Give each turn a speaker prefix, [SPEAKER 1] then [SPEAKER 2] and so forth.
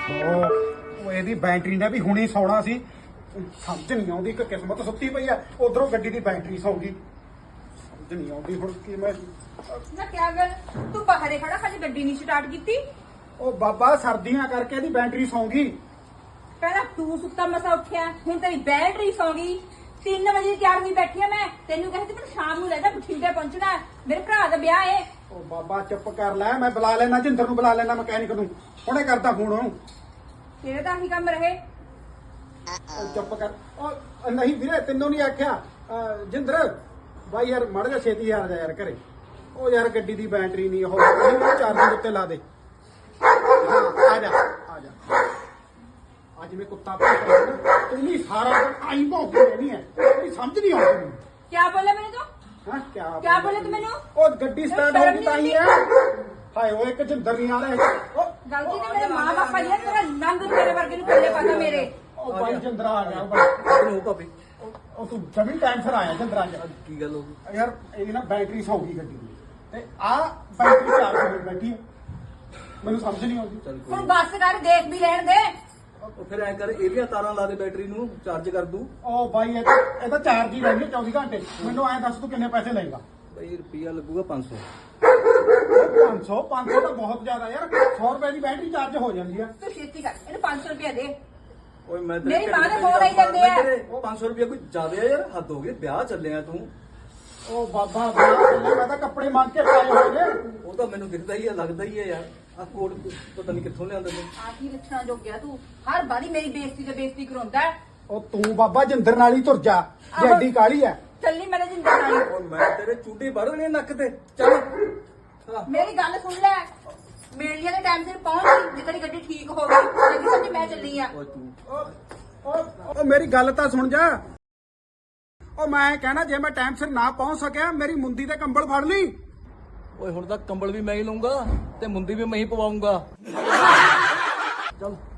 [SPEAKER 1] ਉਹ ਇਹਦੀ ਬੈਟਰੀ ਨੇ ਵੀ ਹੁਣੀ ਸੌਣਾ ਸੀ। ਸਮਝ ਨਹੀਂ ਆਉਂਦੀ ਕਿ ਕਿਸਮਤ ਸੁੱਤੀ ਪਈ ਆ, ਉਧਰੋਂ ਗੱਡੀ ਦੀ ਬੈਟਰੀ ਸੌ ਗਈ। ਸਮਝ ਨਹੀਂ ਆਉਂਦੀ ਹੁਣ ਕੀ ਮੈਂ।
[SPEAKER 2] ਨਾ ਕਿਆ ਗੱਲ ਤੂੰ ਬਾਹਰੇ ਖੜਾ ਖਾਲੀ ਗੱਡੀ ਨਹੀਂ ਸਟਾਰਟ ਕੀਤੀ?
[SPEAKER 1] ਉਹ ਬਾਬਾ ਸਰਦੀਆਂ ਕਰਕੇ ਇਹਦੀ ਬੈਟਰੀ ਸੌ ਗਈ।
[SPEAKER 2] ਪਹਿਲਾਂ ਤੂੰ ਸੁੱਤਾ ਮਸਾ ਉੱਠਿਆ, ਹੁਣ ਤੇਰੀ ਬੈਟਰੀ ਸੌ ਗਈ। 3 ਵਜੇ ਤਿਆਰ ਹੋਈ ਬੈਠੀ ਆ ਮੈਂ, ਤੈਨੂੰ ਕਹਿੰਦੀ ਮੈਨੂੰ ਸ਼ਾਮ ਨੂੰ ਲੈ ਜਾ ਬਠਿੰਡੇ ਪਹੁੰਚਣਾ, ਮੇਰੇ ਭਰਾ ਦਾ ਵਿਆਹ ਏ।
[SPEAKER 1] ਉਹ ਬਾਬਾ ਚੁੱਪ ਕਰ ਲੈ, ਮੈਂ ਬੁਲਾ ਲੈਣਾ ਜਿੰਦਰ ਨੂੰ, ਬੁਲਾ ਲੈਣਾ ਮਕੈਨਿਕ ਨੂੰ, ਹੁਣੇ ਕਰਦਾ ਫੋਨ ਉਹਨੂੰ।
[SPEAKER 2] ਤੇਰੇ ਤਾਂ ਆਹੀ ਕੰਮ ਰਹੇ।
[SPEAKER 1] ਉਹ ਚੁੱਪ ਕਰ। ਉਹ ਨਹੀਂ ਵੀਰੇ ਤੈਨੂੰ ਨਹੀਂ ਆਖਿਆ ਜਿੰਦਰ ਬਾਈ ਯਾਰ ਮੜ ਜਾ ਛੇਤੀ ਆ ਜਾ ਯਾਰ ਘਰੇ। ਉਹ ਯਾਰ ਗੱਡੀ ਦੀ ਬੈਟਰੀ ਨਹੀਂ, ਉਹ ਚਾਰਜਿੰਗ ਉੱਤੇ ਲਾ ਦੇ। ਹਾਂ ਆ ਜਾ ਆ ਜਾ। ਅੱਜ ਮੈਂ ਕੁੱਤਾ ਭੌਂਕਦਾ ਨਾ, ਤੂੰ ਨਹੀਂ ਸਾਰਾ ਦਿਨ ਆਈ ਭੌਂਕਦੀ ਰਹਿਣੀ ਹੈ, ਤੇਰੀ ਸਮਝ ਨਹੀਂ ਆਉਂਦੀ ਮੈਨੂੰ।
[SPEAKER 2] ਕਿਆ ਬੋਲਿਆ ਮੈਨੂੰ ਤੂੰ?
[SPEAKER 1] ਹਾਂ
[SPEAKER 2] ਕਿਆ ਬੋਲੇ ਤੂੰ ਮੈਨੂੰ?
[SPEAKER 1] ਉਹ ਗੱਡੀ ਸਟਾਰਟ ਹੋ ਗਈ ਤਾਂ ਹੀ ਹੈ। ਹਾਏ ਓਏ ਇੱਕ ਜਿੰਦਰ ਨਹੀਂ ਆ ਰਿਹਾ। ਉਹ
[SPEAKER 2] ਗਲਤੀ ਤੇ ਮੇਰੇ ਮਾਂ ਬਾਪਾ ਦੀ ਹੈ, ਤੇਰਾ ਨੰਗ ਤੇਰੇ ਵਰਗੇ ਨੂੰ ਪੱਲੇ ਪਾਦਾ ਮੇਰੇ।
[SPEAKER 1] ਉਹ ਬਾਈ ਜਿੰਦਰ ਆ ਗਿਆ। ਉਹ
[SPEAKER 3] ਨੂੰ ਭਾਬੀ
[SPEAKER 1] ਉਹ ਤੂੰ ਜਮੀ ਟਾਈਮ ਫਿਰ ਆਇਆ ਜਿੰਦਰ ਅੱਜ।
[SPEAKER 3] ਕੀ ਗੱਲ ਹੋ ਗਈ?
[SPEAKER 1] ਯਾਰ ਇਹਦੀ ਨਾ ਬੈਟਰੀ ਸੌ ਗਈ ਗੱਡੀ ਦੀ, ਤੇ ਆ ਬੈਟਰੀ ਚਾਰਜ ਹੋ ਬੈਠੀ ਹੈ। ਮੈਨੂੰ ਸਮਝ ਨਹੀਂ ਆਉਂਦੀ।
[SPEAKER 3] ਚੱਲ
[SPEAKER 2] ਹੁਣ
[SPEAKER 3] ਕੋਈ
[SPEAKER 2] ਬੱਸ ਕਰ, ਦੇਖ ਵੀ ਲੈਣ ਦੇ।
[SPEAKER 3] ਉਹ ਫਿਰ ਐ ਕਰ, ਇਹਦੀਆਂ ਤਾਰਾਂ ਲਾ ਦੇ, ਬੈਟਰੀ ਨੂੰ ਚਾਰਜ ਕਰ ਦੂ।
[SPEAKER 1] ਉਹ ਬਾਈ ਇਹ ਤਾਂ ਚਾਰਜ ਹੀ ਰਹਿੰਦੀ 24 ਘੰਟੇ। ਮੈਨੂੰ ਐਂ ਦੱਸ ਤੂੰ ਕਿੰਨੇ ਪੈਸੇ ਲਏਗਾ?
[SPEAKER 3] ਬਈ ਰੁਪਿਆ ਲੱਗੂਗਾ 500।
[SPEAKER 1] 500 ਤਾਂ ਬਹੁਤ ਜ਼ਿਆਦਾ ਯਾਰ। 100 ਰੁਪਏ ਦੀ ਬੈਟਰੀ ਚਾਰਜ ਹੋ ਜਾਂਦੀ ਆ।
[SPEAKER 2] ਤੂੰ ਛੇਤੀ ਕਰ, ਇਹਨੂੰ 500 ਰੁਪਏ ਦੇ।
[SPEAKER 3] ਓਏ ਮੈਂ
[SPEAKER 2] ਮੇਰੀ ਮਾਂ ਦੇ ਫੋਨ ਆਈ ਜਾਂਦੇ ਆ।
[SPEAKER 3] ਉਹ 500 ਰੁਪਿਆ ਕੋਈ ਜ਼ਿਆਦਾ ਆ ਯਾਰ, ਹੱਦ ਹੋ ਗਈ। ਵਿਆਹ ਚੱਲਿਆ ਤੂੰ।
[SPEAKER 1] ਉਹ ਬਾਬਾ ਮੈਂ ਤਾਂ ਕੱਪੜੇ ਮੰਗ ਕੇ ਪਾਏ ਹੋਏ ਨੇ।
[SPEAKER 3] ਉਹ ਤਾਂ ਮੈਨੂੰ ਦਿਖਦਾ ਹੀ ਆ, ਲੱਗਦਾ ਹੀ ਆ ਯਾਰ। ਆ ਕੋਟ ਪਤਾ ਨਹੀਂ ਕਿੱਥੋਂ ਲਿਆਂਦਾ ਤੂੰ।
[SPEAKER 2] ਆਹੀ ਲੱਛਣਾ ਜੋ ਗਿਆ ਤੂੰ, ਹਰ ਵਾਰੀ ਮੇਰੀ ਬੇਇੱਜ਼ਤੀ ਤੇ ਬੇਇੱਜ਼ਤੀ ਕਰਾਉਂਦਾ ਹੈ।
[SPEAKER 1] ਉਹ ਤੂੰ ਬਾਬਾ ਜਿੰਦਰ ਨਾਲ ਹੀ ਤੁਰ ਜਾ, ਜੱਡੀ ਕਾਲੀ ਐ।
[SPEAKER 2] ਚੱਲੀ ਮੇਰੇ ਜਿੰਦਰ ਨਾਲ।
[SPEAKER 3] ਓਏ ਮੈਂ ਤੇਰੇ ਚੂੜੀ ਵੜ ਦੇਣੀ ਨੱਕ ਤੇ। ਚੱਲ ਹਾਂ।
[SPEAKER 2] ਮੇਰੀ ਗੱਲ ਸੁਣ ਲੈ, ਮੇਲੀਆਂ ਦੇ ਟਾਈਮ ਸਿਰ ਪਹੁੰਚ ਗਈ, ਜੇ ਤੇਰੀ ਗੱਡੀ ਠੀਕ ਹੋ ਗਈ ਤੇ ਸਮਝ ਮੈਂ ਚੱਲੀ ਆ।
[SPEAKER 3] ਓਏ ਤੂੰ
[SPEAKER 1] ਉਹ ਮੇਰੀ ਗੱਲ ਤਾਂ ਸੁਣ ਜਾ। ਉਹ ਮੈਂ ਕਹਿਣਾ ਜੇ ਮੈਂ ਟਾਈਮ ਸਿਰ ਨਾ ਪਹੁੰਚ ਸਕਿਆ, ਮੇਰੀ ਮੁੰਦੀ ਤੇ ਕੰਬਲ ਫੜ ਲਈ।
[SPEAKER 3] ਓਏ ਹੁਣ ਤਾਂ ਕੰਬਲ ਵੀ ਮੈਂ ਹੀ ਲਊਂਗਾ ਤੇ ਮੁੰਦੀ ਵੀ ਮੈਂ ਹੀ ਪਵਾਉਂਗਾ। ਚੱਲ